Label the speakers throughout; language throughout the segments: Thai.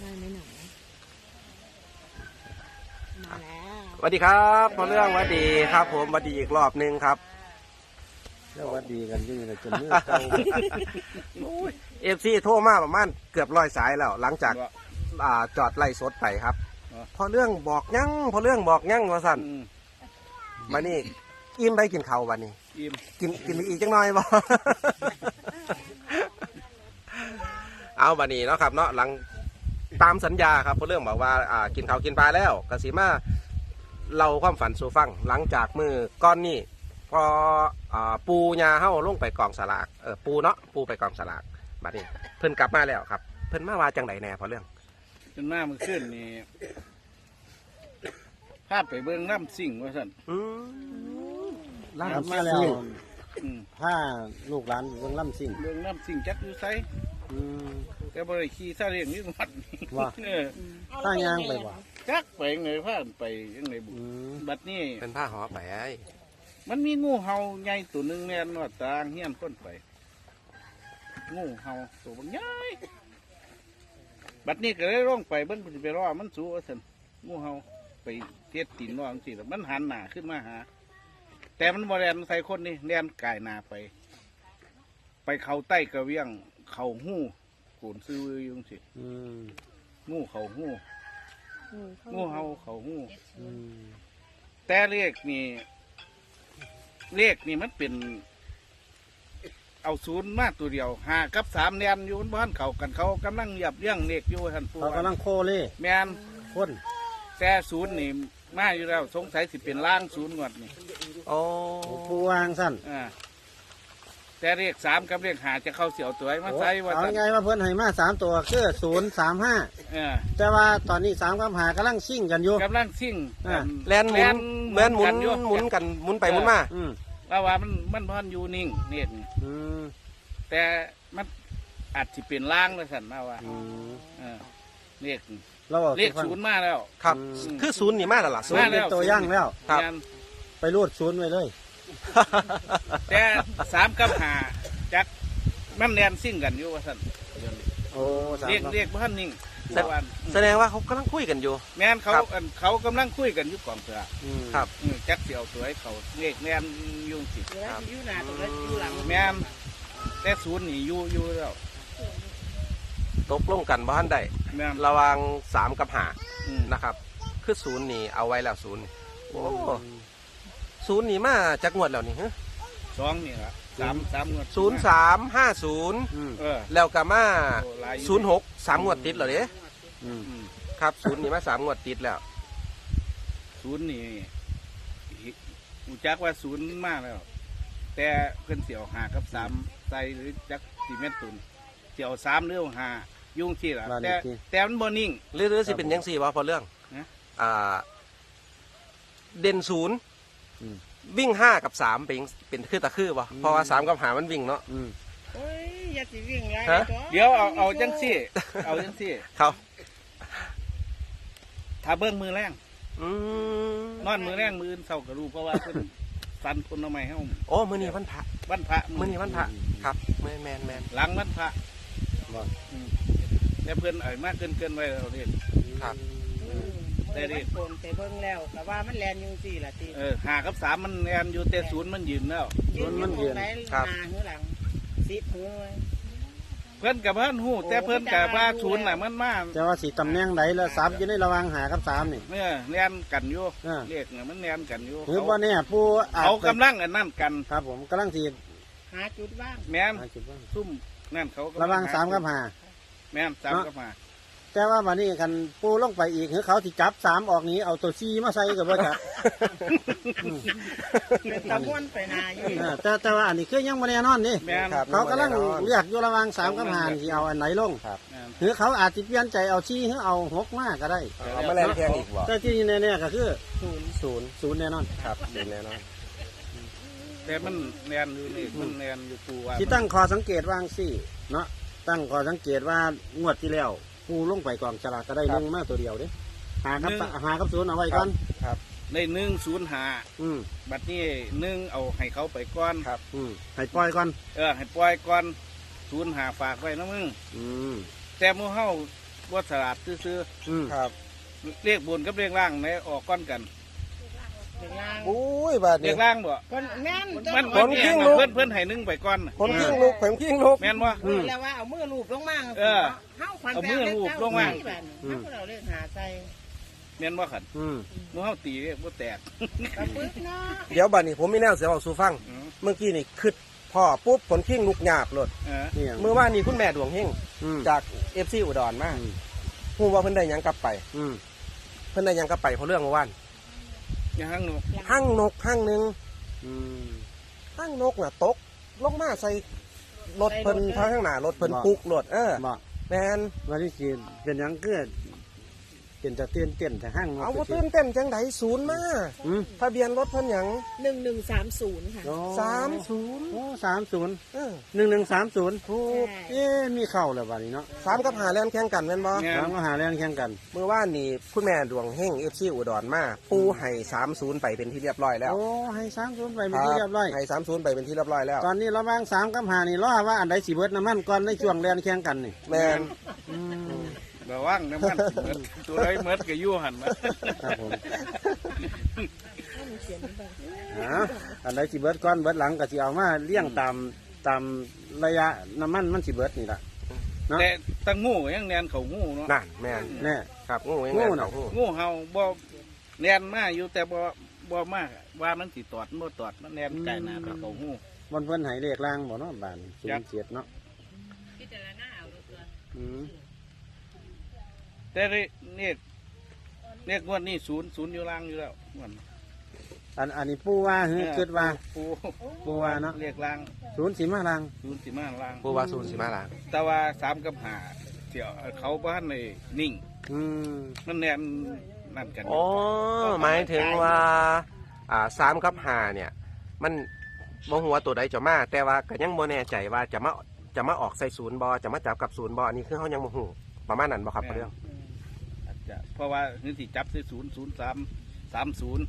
Speaker 1: ได้ไหมหนูมาแล้ว
Speaker 2: สวัสดีครับพอเรื่องสวัสดีครับผมสวัสดีอีกรอบนึงครับ
Speaker 3: แล้ววัดดีกันอยังไงจนมือเก่า
Speaker 2: FC โทรมาประมาณเกือบ100 สายแล้ว หลังจากจอดไล่สดไปครับพอเรื่องบอกยั่งพอเรื่องบอกยั่งว่าสั่นมานี่อิ่มไปกินข้าววันนี้อิ่มกินอีกจังหน่อยบ่ เอาบันนี้เนาะครับเนาะหลังตามสัญญาครับพอเรื่องบอกว่ากินข้าวกินปลาแล้วกสิมาเราความฝันสู่ฟังหลังจากมือก้อนนี้พอปูยาเฮ้าลงไปกองสลากปูเนาะปูไปกองสลากบัดนี้เพิ่นกลับมาแล้วครับเพิ่นมาว่าจังไดแน่พอเรื่อง
Speaker 4: จนหน้ามันขึ้นนี่พาไปเบิ่งน้ำสิ่งว่าสั่น
Speaker 3: ล่ำมาแล้ว
Speaker 4: อืม
Speaker 3: ผ้าลูกหลานเบิ่งล่ำสิ่ง
Speaker 4: เบิ่งน้ำสิ่งจักอยู่ไส
Speaker 3: อืม
Speaker 4: แต่บ่ได้ขี่ซาเล้งนี่วัดนี่
Speaker 3: ว่า
Speaker 4: เออ
Speaker 3: ผ้ายางไปบ่
Speaker 4: จักไปไงพาไปยังไงบุ
Speaker 3: อืม
Speaker 4: บัดนี้
Speaker 2: เป็นผ้าห่อไปไอ้
Speaker 4: มันมีงูเห่าใหญ่ตัวหนึงแน่นว่าตางเฮียนคนไปงูเห่าตัวบางใหญ่บัดนี้ก็เลยลงไปเบิ่งสิไปรอมันสู้ว่าซั่นงูเห่าไปเฮ็ดตีนว่าจังซี่ล่ะมันหันหน้าขึ้นมาหา แต่มันบ่แล่นใส่คนนี่แล่นกายหน้าไป ไปเข้าใต้กระเวียงเข้าหู้โกนซื้ออยู่จังซี่
Speaker 3: อืม
Speaker 4: งูเข้าหู้งูเห่าเข้าหู้
Speaker 3: อืม
Speaker 4: แต่เลขนี่มันเป็น เอาศูนย์มาตัวเดียว5 กับ 3แนนอยู่บนบ้านเขากันเขากำลังเหยียบเลี้ยงเลขอยู่ท่านผู้
Speaker 3: เขากำลังโคเล่
Speaker 4: แมน
Speaker 3: คน
Speaker 4: แต่ศูนย์นี่มาอยู่แล้วสงสัยสิเป็นล่างศูนย์งวดนี่
Speaker 2: โอ้
Speaker 3: ผู้วางสั้น
Speaker 4: แต่เลข3กับเลข5จะเข้าเสียวตัวไอ้มาใส่ว่า
Speaker 3: เอา
Speaker 4: ซั่น
Speaker 3: ไงว่าเพิ่นให้มา3 ตัวคือ035
Speaker 4: เออ
Speaker 3: แต่ว่าตอนนี้3กับ5กำลังซิ่งกันอยู่
Speaker 4: กำลังซิ่ง
Speaker 2: แลนหมุนเหมือนหมุน
Speaker 4: อยู่
Speaker 2: หมุนกันหมุนไปหมุนมา
Speaker 3: อืม
Speaker 4: แล้วว่ามันพอนอยู่นิ่งเนี่ยนี่
Speaker 3: อืม
Speaker 4: แต่มันอาจจะเป็นล่างเลยสันมาว่า
Speaker 3: อืม
Speaker 4: เออเลข
Speaker 3: เราบอก
Speaker 4: เลขศูนย์มาแล้ว
Speaker 2: ครับ
Speaker 3: อืม
Speaker 2: คือศูนย์นี่มาแล้วล่ะศู
Speaker 3: ศู
Speaker 2: น
Speaker 3: น
Speaker 2: ย์
Speaker 3: ย์เป็นตัวย่างแล้ว
Speaker 2: ครับ
Speaker 4: งาน
Speaker 3: ไปรูดศูนย์ไว้เลย
Speaker 4: แต่3 กับ 5จักมันแนนซิ่งกันอยู่ว่าสัน
Speaker 3: โอ้3
Speaker 4: เรียก
Speaker 3: กับ
Speaker 4: เรียกว่านิ่ง
Speaker 2: แต่
Speaker 4: แต่ว่า
Speaker 2: แสดงว่าเขากำลังคุยกันอยู่
Speaker 4: แม่นเขา
Speaker 2: ครับ
Speaker 4: เขากำลังคุยกันอยู่กองเสือ
Speaker 3: อืม
Speaker 2: ครับ
Speaker 4: จักเสียวตัวให้เขาเลขแนนอยุ่งสิ
Speaker 1: แล้วอยู่หน้าตรงนั้นอยู่หลัง
Speaker 4: แม่นแต่ศูนย์นี่อยู่แล้ว
Speaker 2: ตกลงกันบ้านใด
Speaker 4: แม่น
Speaker 2: ระหวัง3 กับ
Speaker 4: อืม
Speaker 2: 5นะครับ คือศูนย์นี่เอาไว้แล้วศูนย์โอ้ศูนย์นี่มาจากงวดแล้วนี่ฮะ
Speaker 4: สองนี่ละสามงวด
Speaker 2: 0350
Speaker 3: อืม
Speaker 4: เออ
Speaker 2: แล้วก็มา
Speaker 4: โอ้หลายอยู่
Speaker 2: 06 3 งวดติดเหรอเด้
Speaker 3: อืม
Speaker 4: อืม
Speaker 2: ครับศูนย์นี่มา3 งวดติดแล้ว
Speaker 4: ศูนย์นี่อูจักว่าศูนย์มากแล้ว แต่เพิ่นเสียว5 กับ 3ใส่หรือจัก4 เมตรตุนเสียว3หรือ5ยุ่งที่ละ
Speaker 3: บ้านเล
Speaker 4: แต่
Speaker 3: ขที่
Speaker 4: แต่มันบ่นิ่ง
Speaker 2: หรือสิเป็นยังสี่วะพอเรื่อง
Speaker 4: นะ
Speaker 2: เด่นศูนย์
Speaker 3: อืม
Speaker 2: วิ่ง5 กับ 3เป็นคือตะคือวะเพราะว่า3 กับ 5มันวิ่งเนาะ
Speaker 3: อืม
Speaker 1: โอ้ยอย่าสิวิ่งไร
Speaker 2: ฮะ
Speaker 4: เดี๋ยวเอาจังซี่ เอาจังซี่
Speaker 2: เขา
Speaker 4: ถ้าเบิ่งมือแรง
Speaker 2: อืม
Speaker 4: นอนมือแรงมืออื่นเศร้าก็รู้เพราะว่าเพิ่นฟันคนเอาไม้เฮา
Speaker 2: โอ้มือนี้วันพระ
Speaker 4: วันพระ
Speaker 2: มือนี้วันพระครับแมน
Speaker 4: หลังวันพระ
Speaker 3: บ่
Speaker 4: แต่เพิ่นเอ่ยมากเกินไว้เราเรียน
Speaker 2: ครับ
Speaker 4: แต่ดิ
Speaker 1: โกนไปเบิ่งแล้วแต่ว่ามันแลนอยุ่งสี่ละที
Speaker 4: 5 กับ 3มันแอนอยู่แต่ศูนย์มันยืนแล้ว
Speaker 1: ยืนอยู่ไหนหน้าหือหลังสิบหือไว้
Speaker 4: เพิ่นกับเพิ่นหู้แต่เพิ่นกับว่าศูนย์น่ะมันมา
Speaker 3: แต่ว่าสีตำแหน่งไหนแล้วซับอยู่ในระหว่าง5กับ3นี่
Speaker 4: เนี่ยแนนกันอยู่
Speaker 3: อ่า
Speaker 4: เรียกเนี่ยมันแนนกันอยู่
Speaker 3: หรือว่าเนี่ยผู้อาจ
Speaker 4: เขา
Speaker 3: ไป
Speaker 4: กำลังอันนั่นกัน
Speaker 3: ครับผมกำลังสี
Speaker 1: หาจุดว่าง
Speaker 4: แม่น
Speaker 3: จุดว่าง
Speaker 4: ซุ่มนั่นเขากำลั
Speaker 3: ระหว่าง3กับ
Speaker 4: แม่น3กับ
Speaker 3: 5แต่ว่าวันนี้กันปูลงไปอีกคือเขาที่จับ3ออกนี้เอาตัว4มาใส่กับว่าจับ
Speaker 1: เป็นตะม้วนไปนาอยู่
Speaker 3: แต่ว่าอันนี้คือยังไม่แน่นอนนี่
Speaker 4: 5แม่น
Speaker 2: ครับ
Speaker 3: เขากำลังเลือกอยู่ระหว่าง3กับ5ที่เอาอันไหนลง
Speaker 4: แม่น
Speaker 3: หรือเขาอาจจะเปลี่ยนใจเอา4หรือเอา6มาก็ได้
Speaker 2: เอามาแลนแทงอีกวะ
Speaker 3: แต่ที่แน่ๆก็คือ
Speaker 2: ศูนย์
Speaker 3: 0แน่นอน
Speaker 2: ครับศูนย์แน่นอน
Speaker 4: แต่มันแนนอยู่นี่มันแนนอยู่ปูว่า
Speaker 3: ที่ตั้งคอสังเกตว่างสี่เนาะตั้งคอสังเกตว่างวดที่แล้วปูลงไปกองฉลากก็ได้ลงมาตัวเดียวเด้หากับ0เอาไว้ก่อน
Speaker 4: ใน105
Speaker 3: อืม
Speaker 4: บัดนี้1เอาให้เขาไปก่อน
Speaker 3: ให้ปล่อยก่อน
Speaker 4: ให้ปล่อยก่อน05ฝากไว้นะมึง
Speaker 3: อืม
Speaker 4: แต่หมู่เฮาว่าสลัดซื้อ
Speaker 2: ครับ
Speaker 4: ๆเรียกบนกับเรียกล่างไหนออกก้อนกัน
Speaker 1: เด็กล่าง
Speaker 2: อุ้ยบาด
Speaker 4: เรี
Speaker 2: นี้
Speaker 4: ยกล่างบ่
Speaker 1: คนแม่น
Speaker 4: มัน
Speaker 2: ผลกิ้งลูก
Speaker 4: เพื่อนให้นึ่งไปก้อนน่ะ
Speaker 2: คนกิ้งลูกผมกิ้งลูก
Speaker 4: แม่นบ่
Speaker 1: แล้วว่าเอามือลูบลงมา
Speaker 4: เออ
Speaker 1: เฮาขวัญ
Speaker 4: เอามือลูบลงมา
Speaker 1: เฮาเราเล่นหาใจ
Speaker 4: แม่นบ่ขัน
Speaker 3: อืม
Speaker 4: หมูเฮาตีเรียกบ่แตก
Speaker 1: กระปึกเนาะ
Speaker 2: เดี๋ยวบาดนี้ผมมีแนวเสียเอาสู่ฟัง
Speaker 4: อืม
Speaker 2: เมื่อกี้นี่คึดพ่อปุ๊บผลกิ้งลูกหยาบหลด
Speaker 3: นี่ยัง
Speaker 2: เมื่อว่านนี่คุณแม่ดวงเฮง
Speaker 3: อืม
Speaker 2: จากเอฟซีอุดรมา
Speaker 3: อืม
Speaker 2: พูดว่าเพิ่นได้หยังกลับไป
Speaker 3: อืม
Speaker 2: เพิ่นได้หยังกลับไปเพราะเรื่องเมื่อวาน
Speaker 4: อย่าหั่งหนู
Speaker 2: หั่งนกหั่งหนึ่ง
Speaker 3: อืม
Speaker 2: หั่งนกน่ะตกลงมาใส่รถเพิ่นทางข้างหน้ารถเพิ่นปุกรถ
Speaker 3: บ่
Speaker 2: แมน
Speaker 3: วันที่สิเป็นหยังเกิดเป็นจะเต้นแต่ห้าง
Speaker 2: เอาว่าตื่นเต้นจังไดศูนย์มา
Speaker 3: อืม
Speaker 2: ทะเบียนรถเพิ่นหยัง
Speaker 1: 1130ค่ะ
Speaker 3: โอ้
Speaker 2: 30
Speaker 3: โอ้30
Speaker 2: เออ
Speaker 3: 1130
Speaker 2: ถูก
Speaker 3: เอ๊ะมีเข้าแล้วบัดนี้เนาะ
Speaker 2: 3กับ5แล่นแข่งกันแม่นบ่
Speaker 4: แม่น
Speaker 3: ถามก็หาแรงแข่งกัน
Speaker 2: เมื่อวานนี่คุณแม่ดวงเฮง FC อุดรมาปูให้30ไปเป็นที่เรียบร้อยแล้ว
Speaker 3: โอ้ให้30ไปเป็นที่เรียบร้อย
Speaker 2: ให้30ไปเป็นที่เรียบร้อยแล้ว
Speaker 3: ตอนนี้ระหว่าง3กับ5นี่รอว่าอันใดสิเบิดน้ำมันก่อนในช่วงแรงแข่งกันนี่
Speaker 2: แม่น
Speaker 3: อืม
Speaker 4: ระวังน้ำมันสิเบิดตัวใดเมิดก็อยู่หั่นนะครับ
Speaker 3: ผมอันใดสิเบิดก่อนเบิดหลังก็สิเอามาเลี้ยงตามระยะน้ำมันมันสิเบิดนี่ล่ะ เนาะ
Speaker 4: แต่ตั้งงูยังแนนเขางูเนาะ
Speaker 2: นั่นแม่น
Speaker 3: แน่
Speaker 2: ครับงูยัง
Speaker 3: งู
Speaker 2: ไง
Speaker 3: น่ะ
Speaker 2: งู
Speaker 4: งูเห่าบ่แนนมาอยู่แต่บ่มากว่ามันสิตอดบ่ตอดมันแนนไกลหน้าไปเขางู
Speaker 3: วันเพิ่นให้เลขล่างบ่เนาะบ้าน07เนาะอืม
Speaker 4: แต่เนี่ยงวดนี้ศูนย์อยู่ล่างอยู่แล้วงวด
Speaker 3: อันนี้ปู่ว่าเฮ้ยคิดว่า
Speaker 4: ปู
Speaker 3: ปู่ว่าเนาะ
Speaker 4: เรียกล่าง
Speaker 3: 0สิมาล่าง
Speaker 4: ศูนย์สิมาล่าง
Speaker 2: ปูว่าศูนย์สิมาล้าง
Speaker 4: แต่ว่า3กับ5เดี๋ยวเขาบ้านในนิ่ง
Speaker 3: อืม
Speaker 4: มันแนนนั่นกัน
Speaker 2: อ๋อหมายถึงว่า3กับ5เนี่ย มันบ่ฮู้ว่าตัวใดจะมาแต่ว่าก็ยังบ่แน่ใจว่าจะมาออกใส่ศูนย์บ่จะมาจับกับศูนย์บ่อันนี้คือเฮายังบ่ฮู้ประมาณนั้นบ่ครับพ่อเรื่อง
Speaker 4: อาจจะเพราะว่านี่สิจับได้00330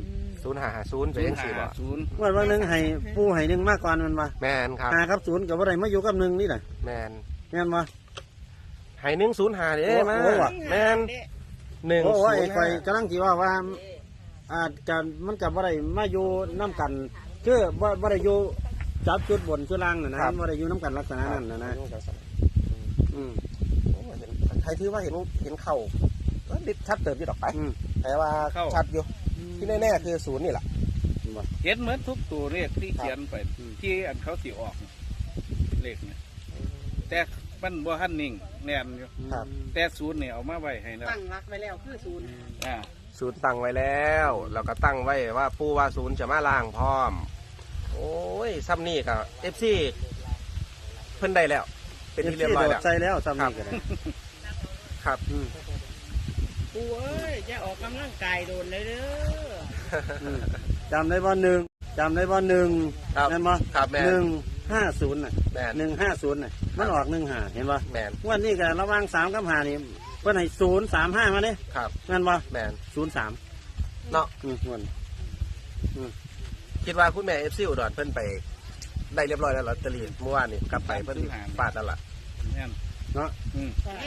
Speaker 2: 0550เป็นจังซี่บ่
Speaker 4: 050
Speaker 3: วันนึงให้ปู่ให้หนึ่งมาก่อนมันว่า
Speaker 2: แม่นครับ
Speaker 3: 5กับ0ก็บ่ได้มาอยู่กับ1นี่น่ะ
Speaker 2: แม่น
Speaker 3: แม่นบ่
Speaker 2: ให้105เด้มา
Speaker 3: โอ้ว่ะ
Speaker 2: แม่น
Speaker 3: โอ้ยข่อย
Speaker 2: 105
Speaker 3: กำลังสิว่าอาจจะมันก็บ่ได้มาอยู่นํกันคือบ่ได้อยู่จับจุดบนจุดล่างน่ะนะบ่ได้อยู่นํกันลักษณะนั้นน่ะนะอืม
Speaker 2: ใครถือว่าเห็นเข่าก็ดิชัดเติบอยู่ดอกไป
Speaker 3: อืม
Speaker 2: แต่ว่าชัดอยู่ที่แน่ๆคือศูนย์นี่แหละ
Speaker 4: เห็นเหมือนทุกตัวเลขที่เขียนไป
Speaker 3: อืม
Speaker 4: ที่อันเขาสิออกเลขเนี่ยแต่มันบ่ทันนิ่งแน่นอยู่
Speaker 2: ครับ
Speaker 4: แต่ศูนย์เนี่ยเอามาไว้ให้แล้ว
Speaker 1: ตั้งรักไว้แล้วคือศูนย์
Speaker 4: อ่า
Speaker 2: ศูนย์ตั้งไว้แล้วเราก็ตั้งไว้ว่าผู้ว่าศูนย์จะมาล่างพร้อม โอ้ยซ้ำนี่กับเอฟซีเพิ่นได้แล้ว เป็นที่เรียบร้อยแล้ว
Speaker 3: ใส่แล้วซ้ำนี่ก็ได้
Speaker 2: ครับ
Speaker 3: อืม
Speaker 1: ปูเอ้ยจะออกกำลังกายโดนเลยเด้อ
Speaker 3: อืมจำได้บ่หนึ่งจำได้บ่หนึ่ง
Speaker 2: ครับ
Speaker 3: แม่นบ่
Speaker 2: ครับแม่น
Speaker 3: 150น่ะ
Speaker 2: แมน
Speaker 3: 150น่ะมันออก15เห็นบ่
Speaker 2: แมน
Speaker 3: วันนี้ก็ระหว่าง3กับ5นี่เพิ่นให้035มาเด้
Speaker 2: ครับ
Speaker 3: แม่นบ่
Speaker 2: แมน
Speaker 3: 03
Speaker 2: เนาะ
Speaker 3: วัน
Speaker 2: คิดว่าคุณแม่เอฟซีอุดรเพิ่นไปได้เรียบร้อยแล้วลอตเตอรี่เมื่อวานนี่กลับไปเพิ่นปาดนั่นล่ะ
Speaker 4: แน่น
Speaker 3: เนาะ
Speaker 4: อืม
Speaker 1: แม่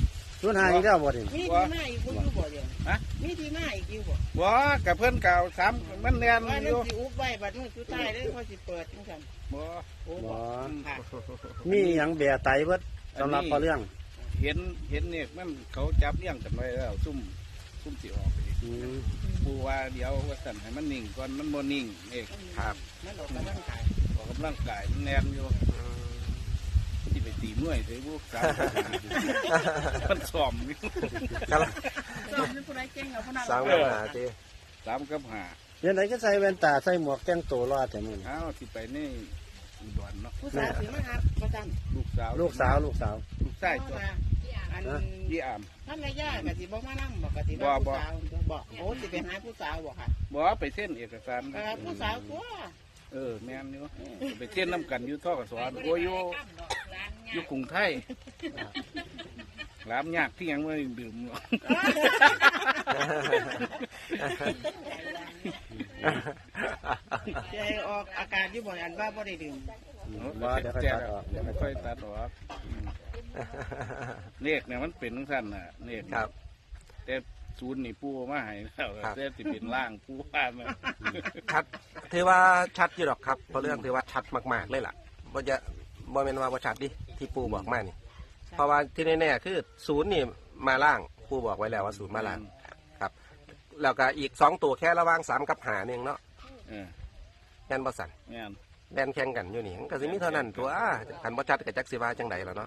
Speaker 3: 05อีกแล้วบ่ดิ
Speaker 1: มีที่มาอีกบ่อยู่บ่เดียว
Speaker 4: ฮะ
Speaker 1: มีที่มาอีกอยู่บ่
Speaker 4: บ่กับเพื่อนเก่าสามมันแน่น
Speaker 1: ว่า
Speaker 4: อ
Speaker 1: นั่น
Speaker 4: ยู่
Speaker 1: สิอุบไว้บัดนี้สุดท้ายเลยเขาสิเปิดจังซั่น
Speaker 4: บ่
Speaker 1: โอ้
Speaker 3: บ่
Speaker 1: บ่ค่ะ
Speaker 3: มีหยังแบะไตเบิดสำหรับพอเรื่อง
Speaker 4: เห็นเนี่ยมันเขาจับเลี้ยงกันไว้แล้วซุ่มสิออกไปดิ
Speaker 3: อืม
Speaker 4: ปูว่าเดี๋ยวว่าสั่นให้มันนิ่งก่อนมันบ่นิ่งเอง
Speaker 2: ครับ
Speaker 1: มันออกกำลังกาย
Speaker 4: ออกกำลังกายมันแน่นอยู่ที่ไปตีมวยใส่บุกสามมันซ้อมอยู่
Speaker 2: ครับ
Speaker 1: สอนเป็นผู้ใดเก่งเอาผู้นั้น
Speaker 2: สร้างปัญหาจี
Speaker 4: 3 กับ
Speaker 3: เดี๋ยวไหนก็ใส่แว่นตาใส่หมวกแต่งตัวรอดแต่มื้อ
Speaker 4: 5
Speaker 3: นี้
Speaker 4: อ้าวที่ไปนี่อุดรเนาะ
Speaker 1: ผู้สาวสิมาหาประจำ
Speaker 4: ลูกสาว
Speaker 3: ลูกสาว
Speaker 4: ลูกชายตัว
Speaker 1: อัน
Speaker 4: ยี่อาม
Speaker 1: ท่านนายย่ากะสิบ่มานั่งบอกกะสิ
Speaker 4: บ่
Speaker 1: ว่า
Speaker 4: บ่
Speaker 1: ผู้สาวบอกโอ้สิไปหาผู้สาวบอกค่ะ
Speaker 4: บ่ไปเส้นเอกสาร
Speaker 1: ผู้สาวตัว
Speaker 4: แม่นอยู่ไปเส้นน้ำกันอยู่ท่อกับสอนโอ้ยอยู่กรุงไทยร้านยากที่ยังไม่ดื่มหรอก
Speaker 1: จะออกอากาศอยู่บ่อยอันว่าบ่ได้ดื่ม
Speaker 3: บ่เดี๋ยวค่อยตัดออก
Speaker 4: เดี๋ยวค่อยตัดออกเลขเนี่ยมันเป็นทั้งสั้นน่ะเลข
Speaker 2: ครับ
Speaker 4: แต่ศูนย์นี่ปูมาให้แล้ว
Speaker 2: ครับ
Speaker 4: แต่สิเป็นล่างปูว่ามา
Speaker 2: ชัดถือว่าชัดอยู่หรอกครับเพราะเรื่องถือว่าชัดมากๆเลยล่ะบ่จะบ่แม่นว่าบ่ชัดดิที่ปูบอกมานี่เพราะว่าที่แน่ๆคือศูนย์นี่มาล่างปูบอกไว้แล้วว่าศูนย์มาล่างครับแล้วก็อีก2ตัวแค่ระหว่าง3กับ5นึงเนาะ
Speaker 4: เออ
Speaker 2: แม่นบ่สั่น
Speaker 4: แม่น
Speaker 2: แล่นแข่งกันอยู่นี่มันก็สิมีเท่านั้นตัวคันบ่ชัดก็จักสิว่าจังไดล่ะเนาะ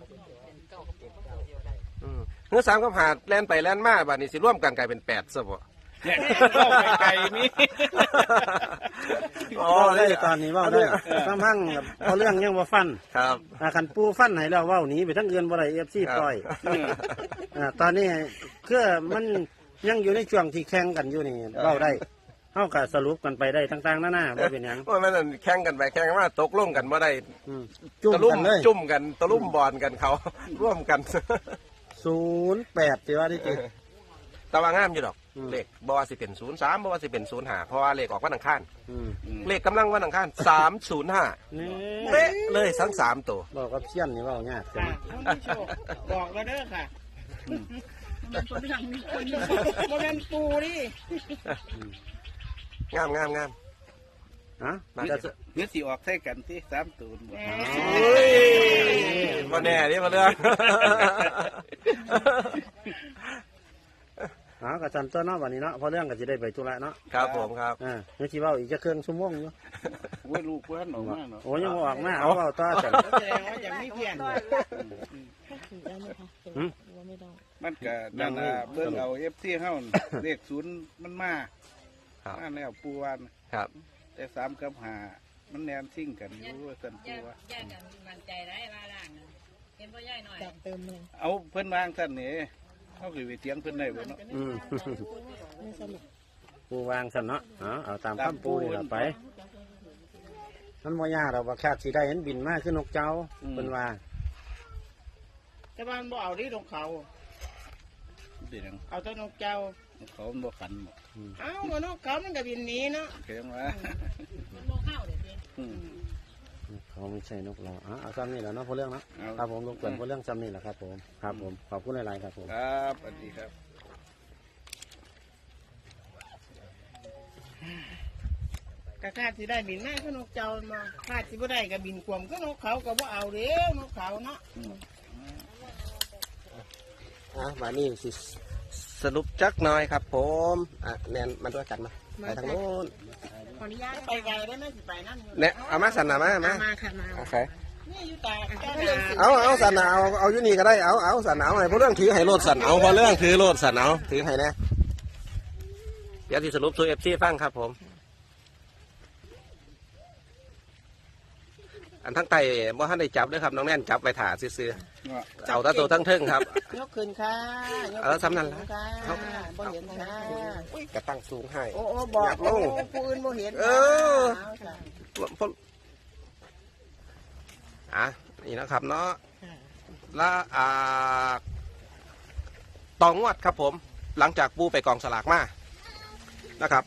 Speaker 2: เฮือ3กับ5แล่นไปแล่นมาบัดนี้สิรวมกันกลายเป็น8ซะบ่
Speaker 4: เนี่ยเข้าไปไกลนี่
Speaker 2: อ๋อ
Speaker 3: เว้าได้
Speaker 2: เลย
Speaker 3: ตอนนี้เว้าได้ซ้ำพังเอาเรื่องยังบ่ฟัน
Speaker 2: ครับ
Speaker 3: คันปูฟันให้แล้วเว้าหนีไปทั้งเอือนบ่ได้ FC ปล่อยตอนนี้คือมันยังอยู่ในช่วงที่แข่งกันอยู่นี่เว้าได้เฮาก็สรุปกันไปได้ต่างๆนานาบ่เป็นหยัง
Speaker 2: โอ้ยมันนั่นแข่งกันไปแข่งกันมาตกลงกันบ่ได้
Speaker 3: จุ่ม
Speaker 2: ตะลุ่
Speaker 3: กันเลย
Speaker 2: จุ่มกันตะลุ่มบอลกันเขา ร่วมกัน
Speaker 3: 08สิว่าที่จริง
Speaker 2: แต่ว่างามอยู่ดอก
Speaker 3: อืม
Speaker 2: เลขบ่ว่าสิเป็น03บ่ว่าสิเป็น05เพราะว่าเลขออกวันอังคาร
Speaker 3: อืม
Speaker 2: เลขกำลังวันอังคาร305
Speaker 3: นี่
Speaker 2: เป๊ะเลยทั้ง3ตัว
Speaker 3: บอกกับเซียนนี่เว้ายากจั
Speaker 1: ค่ะ
Speaker 3: ง
Speaker 1: ท่านผู้ชมบอกแล้วเด้อค่ะมันเป็นอย่างนี้คนมันเป็นปูนี่
Speaker 2: งามงามงาม
Speaker 3: ฮะ
Speaker 2: มา
Speaker 3: จะ
Speaker 4: เนื้อสีออกใส่กันที่3ตูนบ่
Speaker 2: เฮ้ยบ่แน่นี่มาเรื่อง
Speaker 3: ก็จันตัวเนาะวันนี้เนาะเพราะเรื่องก็สิได้ไปธุระเนาะ
Speaker 2: ครับผมครับ
Speaker 3: เดี๋ยวสิเว้าอีกจะเครื่องชั่วโมงอยู่
Speaker 4: โอ้ยลูกเพิ่นออกมาเนาะ
Speaker 3: โอ้ยังบ่ออกมาเอาเว้าต่อจัน
Speaker 1: แสดงว่าอย่างไม่เพี้ยน
Speaker 5: ได้ไหมคะ
Speaker 3: หืม
Speaker 5: หรือว่าไม่ได้
Speaker 4: มันก็นั่นน่ะเบิ่งเอา FC เฮาเลขศูนย์มันมา
Speaker 2: ครับ
Speaker 4: มาแล้วปูวัน
Speaker 2: ครับ
Speaker 4: แต่3กับ5มันแนมซิ่งกันอยู่ว่าซั่นปูว่า
Speaker 6: ย่ากันมั่นใจได้ว่าล่างนะเห็นพ่อย่ายหน่อย
Speaker 5: จากเติมเลย
Speaker 4: เอาเพิ่นวางซั่นนี่เฮาสิไปเถียงเพิ่นได้บ่เนาะ
Speaker 3: อืม
Speaker 5: ไม่สรุป
Speaker 3: ปูวางซั่นเนาะเอาตามคำปูนี่ล่ะไปมันบ่ยากดอกว่าคาดสิได้เห็นบินมาคือนกเจ้าเพิ่นว่า
Speaker 1: แต่บ้านบ่เอาที่นกเขา
Speaker 4: เป็นหยัง
Speaker 1: เอาแต่นกเจ้า
Speaker 4: เขามันบ่ขันบ่
Speaker 1: เอ้าก็นกเขามันก็บินหนีเนาะ
Speaker 4: เขียนว่า
Speaker 6: มันโมเข้าเดี๋ยวนี้
Speaker 4: อืม
Speaker 3: เขาไม่ใช่นกเราเอาซ้ำนี่แหละเนาะเพราะเรื่องเนาะ
Speaker 4: เอา
Speaker 3: ครับผมลงเกินเพราะเรื่องซ้ำนี่แหละครับผมครับผมขอบคุณหลายๆครับผม
Speaker 4: ครับสวัสดีครับ
Speaker 1: ก็คาดสิได้บินมาก็นกเจ้ามาคาดสิบ่ได้ก็บินกวมก็นกเขาก็บ่เอาเด้อนกเขาเนาะ
Speaker 2: วันนี้สิสรุปจักหน่อยครับผมแนนมาด้วยกันมาไปทางโน้น
Speaker 5: ขออนุญาต
Speaker 1: ไปไกลได้ไหมสิไปนั่นอยู่
Speaker 2: เนี่ยเอามาสันนะมา
Speaker 5: มาค่ะมา
Speaker 2: โอเค
Speaker 1: นี่อยู่ตาเจ้า
Speaker 2: เอาสันนะเอาอยู่นี่ก็ได้เอาสันเอาให้เพราะเรื่องถือให้โลดสันเอาเพราะเรื่องถือโลดสันเอาถือให้แน่เดี๋ยวที่สรุปสู่FCฟังครับผมอันทั้งไตบ่ทันได้จับด้วยครับน้องแน่นจับไปถ่าซื้อๆเอาแตะตัวทั้งเทิงครับ
Speaker 1: ยกขึ้นค่ะยก
Speaker 2: เออสำนันละ
Speaker 1: ค่ะบ่เห็นค่ะ
Speaker 2: กระตั้งสูงให้
Speaker 1: โอ้บอก
Speaker 2: อยากลง
Speaker 1: ผู้อื่นบ่เห็น
Speaker 2: เออ
Speaker 1: เอาค่ะ
Speaker 2: นี่นะครับเนาะและต่องวดครับผม หลังจากปูไปกองสลากมานะครับ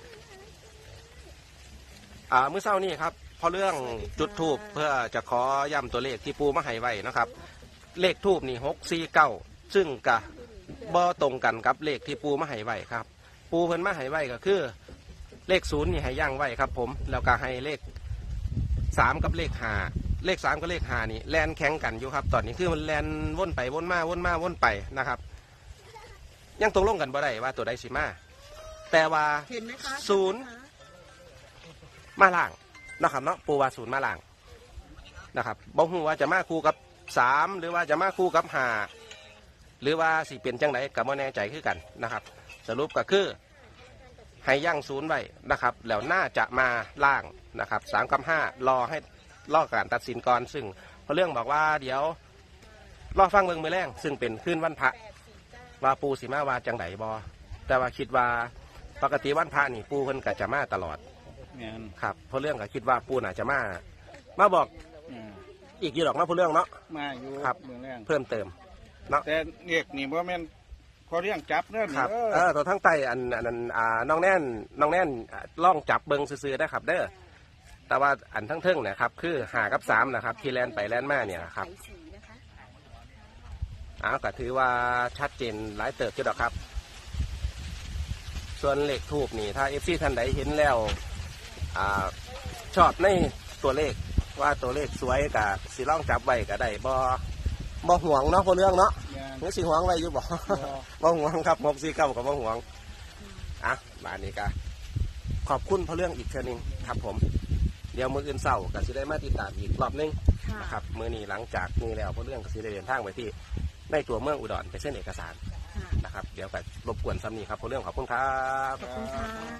Speaker 2: มื้อเช้านี้ครับพอเรื่องจุดทูบเพื่อจะขอย้ำตัวเลขที่ปูมาให้ไว้นะครับ เลขทูบนี่649ซึ่งกะบ่ตรงกันกับเลขที่ปูมาให้ไว้ครับ ปูเพิ่นมาให้ไว้ก็คือ เลข0นี่ให้ย่างไว้ครับผมแล้วก็ให้เลข3กับเลข5เลข3กับเลข5นี่แลนแข่งกันอยู่ครับตอนนี้คือมันแลนวนไปวนมาวนมาวนไปนะครับ ยังตกลงกันบ่ได้ว่าตัวใดสิมาแต่ว่า
Speaker 1: เห็นไหมคะ
Speaker 2: ศูนย์ มาล่างนะครับเนาะปูว่า0มาล่างนะครับบ่ฮู้ว่าจะมาคู่กับ3หรือว่าจะมาคู่กับ5หรือว่าสิเป็นจังไดก็บ่แน่ใจคือกันนะครับ สรุปก็คือให้ย่าง0ไว้นะครับแล้วน่าจะมาล่างนะครับ3กับ5รอการตัดสินก่อนซึ่งเพราะเรื่องบอกว่าเดี๋ยวรอฟังเบิ่งมื้อแรงซึ่งเป็นคืนวันพระว่าปูสิมาว่าจังไดบ่แต่ว่าคิดว่าปกติวันพระนี่ปูเพิ่นก็จะมาตลอด
Speaker 4: แม่น
Speaker 2: ครับเพราะเรื่องก็คิดว่าปูน่าจะมาบอก
Speaker 4: อืม
Speaker 2: อีกอยู่หรอกนะเพราะเรื่องเนาะ
Speaker 4: มาอยู่
Speaker 2: ครับ
Speaker 4: เมืองแรง
Speaker 2: เพิ่มเติม
Speaker 4: แต่เรียกนี่บ่แม่นพอเรื่องจับเด้อ
Speaker 2: ครับ
Speaker 4: เด้อ
Speaker 2: ตัวทั้งไตอันนั้นน้องแน่นล่องจับเบิงซื้อๆได้ครับเด้อแต่ว่าอันทั้งเทิงเนี่ยครับคือ5กับ3นะครับที่แลนไปแลนมาเนี่ยนะครับก็ถือว่าชัดเจนหลายเติบจุดอกครับ ส่วนเลขทูบนี่ถ้าเอฟซีท่านใดเห็นแล้วชอบในตัวเลขว่าตัวเลขสวยกับสีล่องจับไว้ก็ได้บ่ห่วงเนาะพอเรื่องเนาะ
Speaker 4: แม่น
Speaker 2: นี่สีห่วงไว้อยู่บ่ บ่ห่วงครับ649กับบ่ห่วงบานนี้ก็ขอบคุณพอเรื่องอีกเทื่อนึงครับผมเดี๋ยวมื้ออื่นเช้าก็สิได้มาติดตามอีกรอบนึง
Speaker 5: ค่ะ
Speaker 2: นะครับมื้อนี้หลังจากนี้แล้วพอเรื่องก็สิได้เดินทางไปที่ในตัวเมืองอุดรไปเส้นเอกสาร
Speaker 5: ค่ะ
Speaker 2: นะครับเดี๋ยวก็รบกวนซ้ำนี้ครับพอเรื่องขอบคุณครับ
Speaker 5: ขอบคุณค่ะ